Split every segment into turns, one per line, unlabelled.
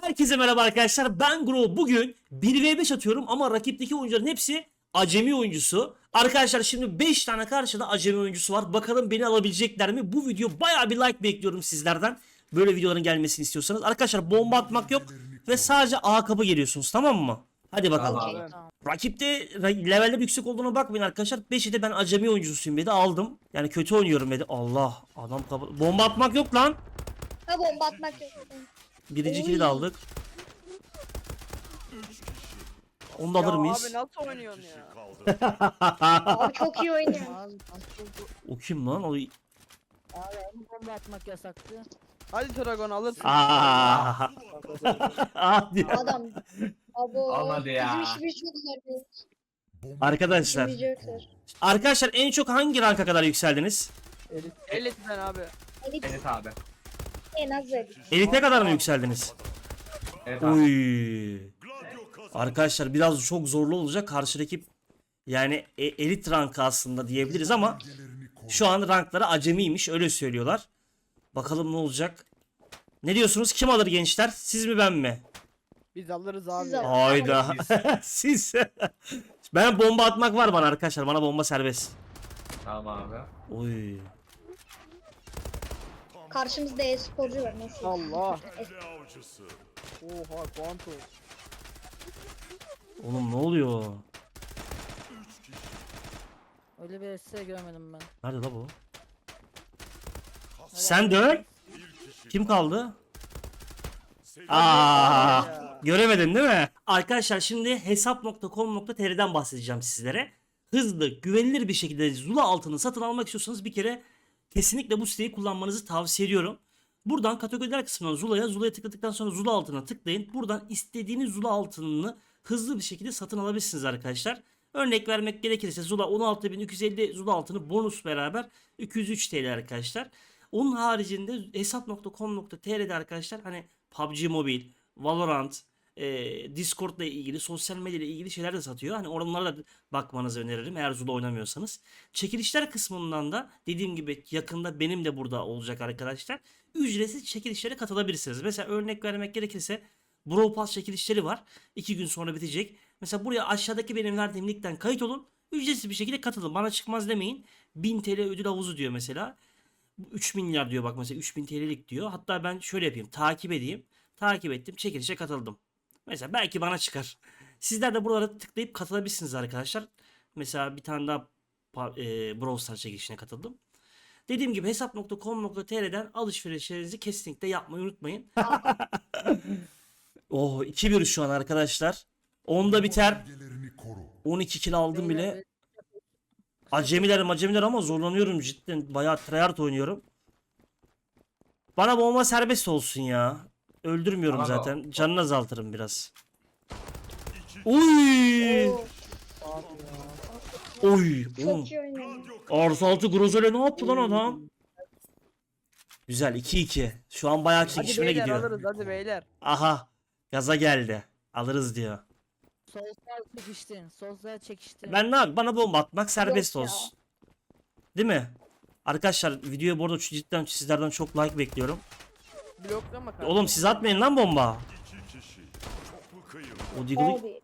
Herkese merhaba arkadaşlar, ben Gro. Bugün 1v5 atıyorum ama rakipteki oyuncuların hepsi acemi oyuncusu. Arkadaşlar şimdi 5 tane karşıda acemi oyuncusu var. Bakalım beni alabilecekler mi? Bu video baya bir like bekliyorum sizlerden. Böyle videoların gelmesini istiyorsanız. Arkadaşlar bomba atmak yok ve sadece A kapı geliyorsunuz, tamam mı? Hadi bakalım.
Tamam.
Rakipte leveller yüksek olduğuna bakmayın arkadaşlar. 5'i de ben acemi oyuncusuyum dedi, aldım. Yani kötü oynuyorum dedi. Allah, adam kapı. Bomba atmak yok lan.
Ha, bomba atmak yok.
Birinci kili de aldık. Onu da alır mıyız?
Abi nasıl oynuyorsun ya?
Abi çok iyi oynuyor.
O kim lan? O...
Abi bomba atmak yasaktı.
Hadi Dragon alırsın.
Aa. Abi.
Adam. Abo.
Olmadı ya.
Bizim işimiz çok zor.
Arkadaşlar.
İşimiz çok zor.
Arkadaşlar en çok hangi ranka kadar yükseldiniz?
Elit'ten abi.
Evet abi.
En az dedi.
Elite kadar mı yükseldiniz?
Evet abi.
Uy. Arkadaşlar biraz çok zorlu olacak. Karşı rakip yani elit rankı aslında diyebiliriz ama şu an rankları acemiymiş, öyle söylüyorlar. Bakalım ne olacak? Ne diyorsunuz? Kim alır gençler? Siz mi, ben mi?
Biz alırız abi.
Siz alın.
Hayda. Siz. Ben bomba atmak var bana arkadaşlar. Bana bomba serbest.
Tamam abi.
Oy.
Karşımızda e-sporcu var. Nasıl?
Allah. Oha Quantum.
Oğlum ne oluyor?
Öyle bir size görmedim ben.
Nerede la bu? Sen dön. Kim kaldı? Aa, göremedin değil mi? Arkadaşlar şimdi hesap.com.tr'den bahsedeceğim sizlere. Hızlı, güvenilir bir şekilde Zula altını satın almak istiyorsanız bir kere kesinlikle bu siteyi kullanmanızı tavsiye ediyorum. Buradan kategoriler kısmından Zula'ya tıkladıktan sonra Zula altına tıklayın. Buradan istediğiniz Zula altınını hızlı bir şekilde satın alabilirsiniz arkadaşlar. Örnek vermek gerekirse Zula 16.250 Zula altını bonus beraber 203 TL arkadaşlar. Onun haricinde hesap.com.tr'de arkadaşlar hani PUBG Mobile, Valorant, Discord ile ilgili, sosyal medya ile ilgili şeyler de satıyor. Hani oralara da bakmanızı öneririm eğer Zula oynamıyorsanız. Çekilişler kısmından da dediğim gibi yakında benim de burada olacak arkadaşlar. Ücretsiz çekilişlere katılabilirsiniz. Mesela örnek vermek gerekirse Brawl Pass çekilişleri var. 2 gün sonra bitecek. Mesela buraya aşağıdaki benim verdiğim linkten kayıt olun. Ücretsiz bir şekilde katılın. Bana çıkmaz demeyin. 1000 TL ödül havuzu diyor mesela. 3 milyar diyor bak mesela, 3000 TL'lik diyor. Hatta ben şöyle yapayım, takip edeyim. Takip ettim, çekilişe katıldım. Mesela belki bana çıkar. Sizler de buralara tıklayıp katılabilirsiniz arkadaşlar. Mesela bir tane daha Brawl Stars çekilişine katıldım. Dediğim gibi hesap.com.tr'den alışverişlerinizi kesinlikle yapmayı unutmayın. Oh, 2-1 şu an arkadaşlar. 10'da biter. 12 kill aldım bile. Acemiler ama zorlanıyorum cidden. Bayağı tryhard oynuyorum. Bana bomba serbest olsun ya. Öldürmüyorum
Tamam,
zaten. Canını azaltırım biraz. Uy!
Oo,
Oy! Oğlum.
çok iyi oynuyor.
Artı 6 Grozole ne yaptı lan adam? Güzel, 2-2. Şu an bayağı
Hadi
çekişmeye
beyler
gidiyor.
alırız hadi beyler.
Aha. Gaza geldi. Alırız diyor.
Soslar çekiştin. Soslar çekiştin.
Ben ne yapayım? Bana bomba atmak serbest
Yok ya.
olsun. Değil mi? Arkadaşlar videoya bu arada cidden sizlerden çok like bekliyorum.
Bloklama kardeşim.
Oğlum siz atmayın lan bomba. O Deagle'ı...
Abi.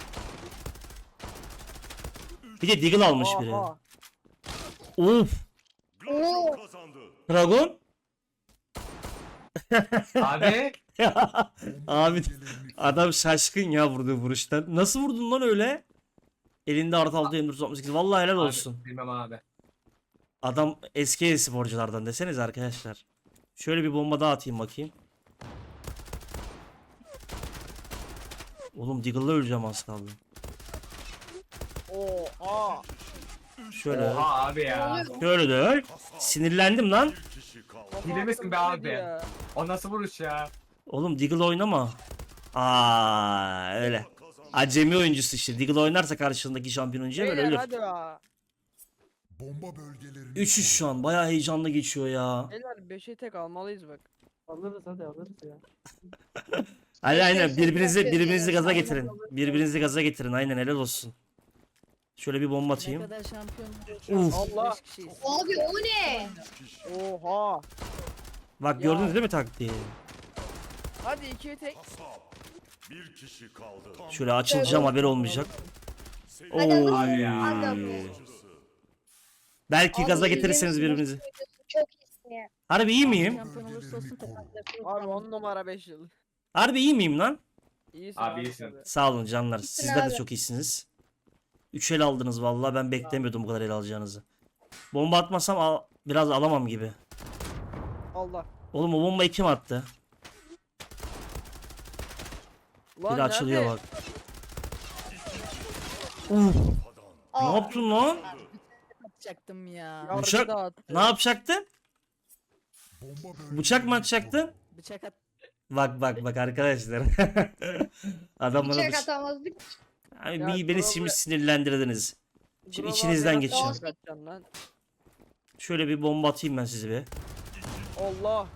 Bir de Deagle almış biri.
Oha.
Of.
Oo.
Dragon.
Abi.
Abi adam şaşkın ya vurduğu vuruştan. Nasıl vurdun lan öyle? Elinde artı 6 M468. Vallahi helal olsun.
Abi, bilmem abi.
Adam eski sporculardan deseniz arkadaşlar. Şöyle bir bomba daha atayım bakayım. Oğlum Deagle'la öleceğim az kaldı.
Oha.
Şöyle.
Oha abi ya.
Şöyle de öl. Sinirlendim lan.
Hile misin be
Kafa
abi?
ya.
O nasıl vuruş ya?
Oğlum Deagle oynama. Aa öyle. Acemi oyuncusu işte. Deagle oynarsa karşındaki şampiyon oyuncuya böyle
Beyler
ölür.
hadi ya.
Bomba bölgelerini
3-3 şu an. Bayağı heyecanlı geçiyor ya.
Beyler 5'e tek almalıyız bak.
Alırız hadi alırız ya.
Aynen birbirinizi
Yapıyoruz.
gaza getirin. Birbirinizi gaza getirin. Aynen helal olsun. Şöyle bir bomba
Ne
atayım.
kadar şampiyon.
Uf.
Allah.
5 kişiyiz.
Abi o ne?
Oha.
Bak gördünüz değil mi taktiği?
Hadi 2'ye tek.
Bir kişi kaldı.
Şöyle açılacağım, haberi olmayacak.
Hadi alırsın.
Hadi ya.
Hadi abi.
Belki
Abi,
gaza
izlemiş
getirirseniz birbirinizi.
misin? Çok iyisin ya.
Harbi iyi miyim?
Şampiyon olursa olsun takımda
Abi 10 numara 5 yıl.
Harbi iyi miyim lan?
İyisin
Abi
abi.
iyisin.
tabii.
Sağ olun canlar.
İyisin
Sizler de
abi.
çok iyisiniz. 3 el aldınız vallahi, ben beklemiyordum bu kadar el alacağınızı. Bomba atmasam biraz alamam gibi.
Allah.
Oğlum o bombayı kim attı?
Lan
Biri açılıyor
nerede?
bak. Uf, ne
Aa,
yaptın lan?
atacaktım ya.
Yargı
Bıçak-
dağıttı.
Ne yapacaktın?
Bomba bölgelerini
Bıçak mı atacaktın?
Bıçak at.
Bak bak bak arkadaşlar. Adam bana
bıçak atamazdık.
Abi
Ya,
beni
problem-
şimdi sinirlendirdiniz. Şimdi
Buralar
içinizden
biraz
geçeceğim.
daha kaçacaksın lan.
Şöyle bir bomba atayım ben size bir.
Allah.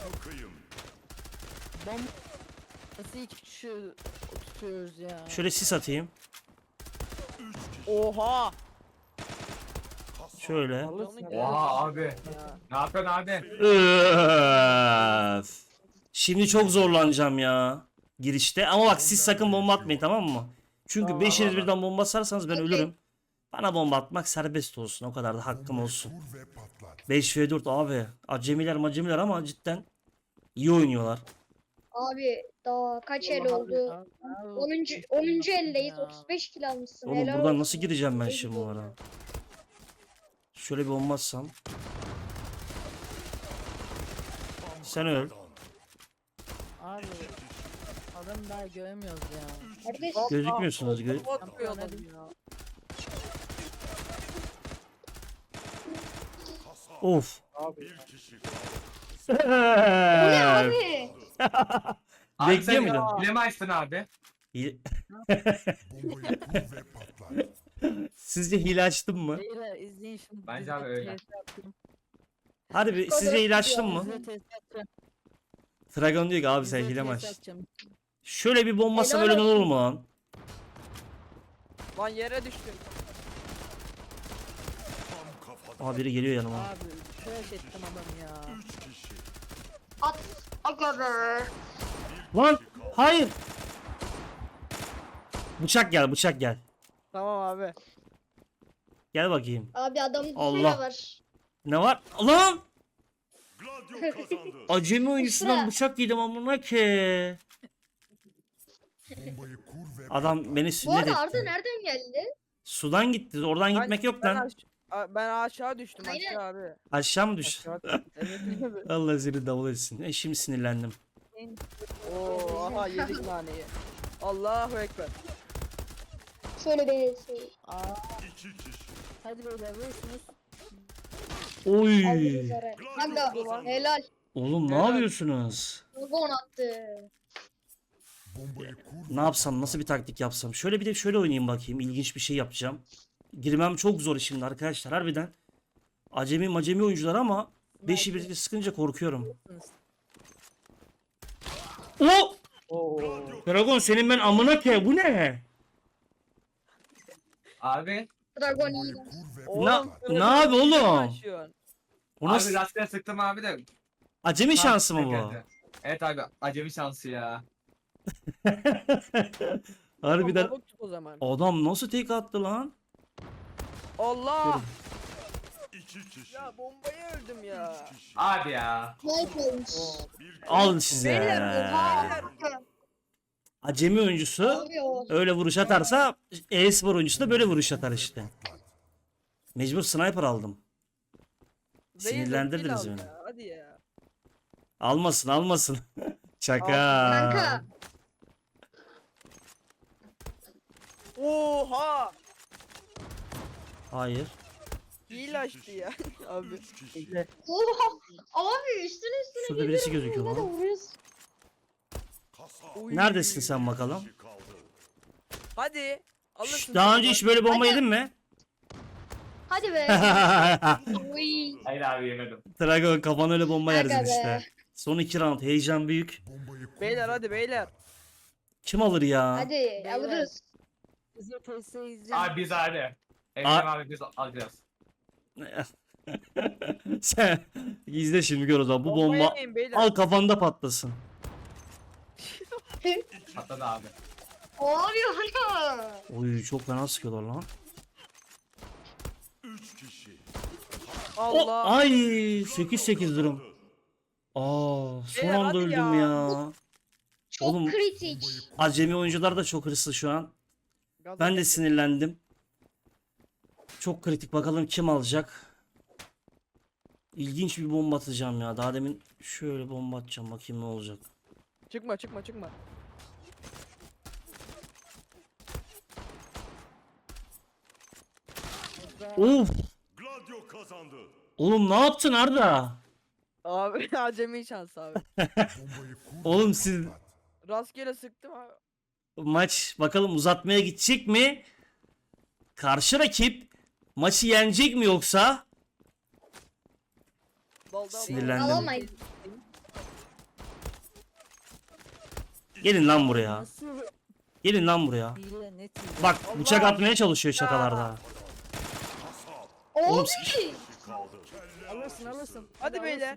Bomba. Nasıl iki kişi tutuyoruz ya?
Şöyle sis atayım.
Oha.
Şöyle.
Alırsın.
Oha abi.
Ya.
Ne yapıyorsun abi?
Öf. Şimdi çok zorlanacağım ya. Girişte. Ama bak siz sakın bomba atmayın, tamam mı? Çünkü
Tamam,
beşiniz
tamam.
birden bomba atarsanız ben
Okey.
ölürüm. Bana bomba atmak serbest olsun. O kadar da hakkım olsun.
kur ve patlat.
5v4 abi. Acemiler ama cidden iyi oynuyorlar.
Abi daha kaç el
Allah
oldu?
Abi,
10. eldeyiz.
Ya.
35 kill almışsın.
Oğlum
Helal
buradan
olsun.
nasıl gireceğim ben
Tebrik
şimdi
ederim.
bunlara? Şöyle bir bomba atsam. Sen öl.
Abi. Adamı daha göremiyoruz ya.
Kardeş,
Gözükmüyorsunuz.
Atmıyor adam ya.
Of.
Abi.
bu ne abi?
Abi
Bekliyor
sen
muydun?
hile mi açtın abi?
Bombayı kur ve patlat.
Sizce hile açtım mı?
Beyler izleyin şimdi.
Bence
Dizide
abi öyle.
test yaptım.
Harbi sizce hile açtım mı?
Dizide test yapacağım.
Dragon diyor ki abi sen
Dizide
hile mi
test
açtın?
yapacağım.
Şöyle bir bomba atsam
Helal
öyle olur mu lan?
Lan yere düştüm.
Aa biri geliyor yanıma.
Abi trash ettim adam ya.
At. Aga be.
Lan hayır. Bıçak gel, bıçak gel.
Tamam abi.
Gel bakayım.
Abi adamın
Allah.
Allah. var.
Ne var? Lan!
Gladio kazandı.
Acemi oyuncusundan
Kusura.
bıçak yedim amına ki.
Bombayı kur ve
Adam beni
Bu
sünnet
arada Arda
etti.
nereden geldi?
Sudan gitti. Oradan gitmek yok lan.
Ben aşağı düştüm
Aynen.
aşağı abi.
Aşağı mı düş?
Aşağı. Evet abi.
Allah seni davul etsin. Şimdi sinirlendim.
Oo aha yedik naneyi. Allahu ekber.
Şöyle bir şey.
Aa,
iki kişi.
hadi beyler vurursunuz.
Oy.
Aldınız araya. Aga helal.
Oğlum ne
Helal.
yapıyorsunuz?
Gon attı.
Bombayı kur
Ne yapsam, nasıl bir taktik yapsam? Şöyle bir de şöyle oynayayım bakayım. İlginç bir şey yapacağım. Girmem çok zor şimdi arkadaşlar harbiden. Acemi oyuncular ama 5'i birlikte sıkınca korkuyorum. O!
Oo.
Dragon senin ben amına ke bu ne?
Abi.
Dragon iyi.
kur ve
Oğlum,
ne abi oğlum?
Yaşıyorsun.
O
Abi
nasıl?
rastgele sıktım abi de.
Acemi şansı mı bu?
Geldi. Evet abi acemi şansı ya.
Harbiden
Balık tut o zaman.
adam nasıl tek attı lan?
Allah.
iki kişi.
Ya bombayı öldüm ya.
Abi ya.
Snipe olmuş.
Al size.
Beyler.
Acemi oyuncusu
Abi o.
öyle vuruş atarsa e-spor oyuncusu da böyle vuruş atar işte. Mecbur sniper aldım. Sinirlendirdiniz
Değil
beni.
ya, hadi ya.
Almasın. Şaka.
Kanka.
Oha.
Hayır.
Hile açtı ya abi.
Oha. Abi üstüne
Şurada birisi gözüküyor
ne de
lan.
vuruyoruz.
Uy.
Neredesin sen bakalım?
Hadi. Alırsın.
Daha
sen
önce
bak.
hiç böyle bomba yedin mi?
Hadi be. Uy.
Hayır abi yemedim.
Dragon kafan öyle bomba yersin
Aga be.
işte. Son 2 round heyecan büyük.
bombayı kur
Beyler hadi beyler.
Kim alır ya?
Hadi alırız.
Dizide testi izleyin.
Abi biz abi. Emre abi biz alacağız.
Sen izle şimdi gör o zaman. Bu
Bomba
bomba
yemeyin beyler.
al kafanda patlasın.
Patladı abi.
Abi ana.
Oy çok fena sıkıyorlar lan.
3 kişi.
Allah.
Ay 8-8 durum. Aa son
Beyler,
anda
hadi
öldüm
ya.
ya.
Çok
Oğlum,
kritik.
Acemi oyuncular da çok hırslı şu an.
Gaza
Ben de
geldi.
sinirlendim. Çok kritik, bakalım kim alacak. İlginç bir bomba atacağım ya. Daha demin şöyle bomba atacağım, bakayım ne olacak.
Çıkma çıkma çıkma.
Of!
Gladio kazandı.
Oğlum ne yaptın Arda?
Abi acemi şans abi.
Bombayı kur.
Oğlum siz
Rastgele sıktım abi.
maç bakalım uzatmaya gidecek mi? Karşı rakip maçı yenecek mi yoksa?
Dal dal.
Sinirlendim.
Alamayız.
Gelin lan buraya.
Nasıl
Gelin lan buraya.
hile net hile.
Bak
Allah!
bıçak atmaya çalışıyor şakalarda. Oğlum,
Abi.
Kaldı.
Alırsın alırsın.
Hadi beyler.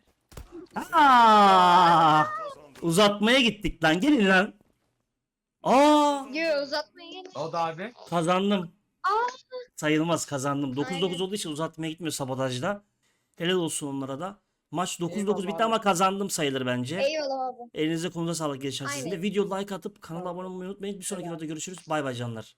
Aa! Uzatmaya gittik lan. Gelin lan. Aa!
Yo uzatmaya gelin.
O da abi.
Kazandım.
Aa.
Sayılmaz, kazandım. 9-9
Aynen.
olduğu için uzatmaya gitmiyor sabotajda. Helal olsun onlara da. Maç 9-9
Eyvallah
bitti
abi.
ama kazandım sayılır bence.
Eyvallah abi.
Elinize konuza sağlık gençler. Sizin de
Aynen.
video like atıp kanala abone olmayı unutmayın. Bir sonraki
Eyvallah.
videoda görüşürüz. Bay bay canlar.